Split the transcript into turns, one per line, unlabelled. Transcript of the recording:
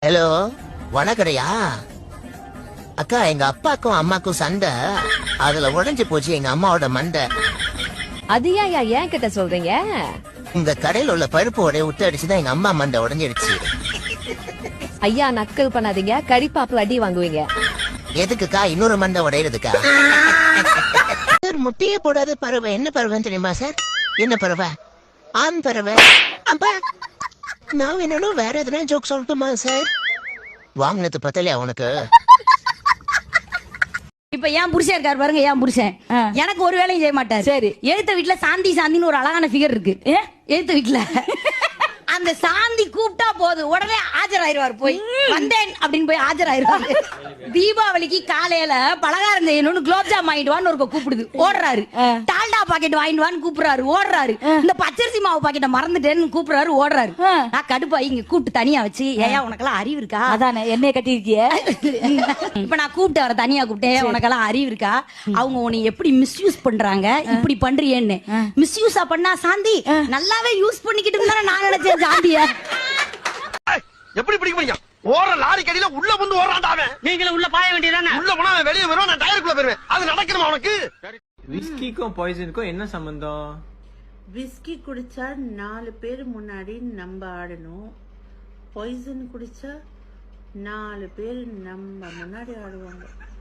Hello, வணக்கடையா அக்கா. எங்க அப்பாக்கும் அம்மாக்கும் சண்டை, அதுல உடைஞ்சு போச்சு எங்க அம்மாவோட மண்டை.
அது ஏன் கிட்ட சொல்றீங்க?
இந்த கடையில உள்ள பருப்பு உடைய விட்டு அடிச்சுதான் எங்க அம்மா மண்டை உடைஞ்சிடுச்சு.
ஐயா நக்கல் பண்ணாதீங்க, கடிப்பாப்புல அடி வாங்குவீங்க.
எதுக்குக்கா இன்னொரு மண்டை உடையிறதுக்கா? சார், முட்டையே போடாத பறவை என்ன பறவைன்னு தெரியுமா சார்? என்ன பறவை? ஆண் பறவை. அப்பா, நான் வேணும் வேற எதுனா ஜோக் சொல்லட்டுமா சார்? வாங்கினது பத்தலையா உனக்கு?
இப்ப ஏன் புருஷன் இருக்காரு பாருங்க, ஏன் புருஷன் எனக்கு ஒரு வேலையும் செய்ய மாட்டாரு.
சரி,
எழுத்த வீட்டுல சாந்தின்னு ஒரு அழகான ஃபிகர் இருக்கு. எழுத்த வீட்டுல அந்த சாந்தி கூப்பிட்டா போதும் உடனே ஆஜராயிருவாரு. போய் வந்தேன் அப்படின்னு போய் ஆஜராயிருவாரு. தீபாவளிக்கு காலையில பலகாரம் செய்யணும்னு குலோப்ஜாம் வாங்கிட்டு வான்னு ஒரு கூப்பிடுது, ஓடுறாரு. டால்டா பாக்கெட் வாங்கிட்டு வான்னு கூப்பிடுறாரு, ஓடுறாரு. இந்த பச்சரிசி மாவு பாக்கெட்டை மறந்துட்டேன்னு கூப்பிடுறாரு, ஓடுறாரு. நான் கடுப்பாய் இங்க கூப்பிட்டு தனியா வச்சு, ஏயா உனக்கெல்லாம் அறிவு இருக்கா?
அதானே என்னைய கட்டிருக்கிய.
இப்ப நான் கூப்பிட்டு அவரை தனியா கூப்பிட்டேன், உனக்கெல்லாம் அறிவு இருக்கா? அவங்க உன்னை எப்படி மிஸ்யூஸ் பண்றாங்க, இப்படி பண்றியேன்னு. மிஸ்யூஸா பண்ணா சாந்தி நல்லாவே யூஸ் பண்ணிக்கிட்டு இருந்தா நான் நினைச்சேன் சாந்திய.
எப்படி பிடிக்க முடியும்? ஓர லாரி கடியில உள்ள வந்து ஓடுறான்டாவே.
நீங்களும் உள்ள பாய வேண்டியதானே?
உள்ள போனா அவன் வெளியே வருவான், நான் டயருக்குள்ள போயிருவேன். அது நடக்கணுமா உனக்கு?
விஸ்கிக்கும் பாய்சனுக்கும் என்ன சம்பந்தம்?
விஸ்கி குடிச்சா 4 பேர் முன்னாடி நம்ம ஆடணும், பாய்சன் குடிச்சா 4 பேர் நம்ம முன்னாடி ஆடுவாங்க.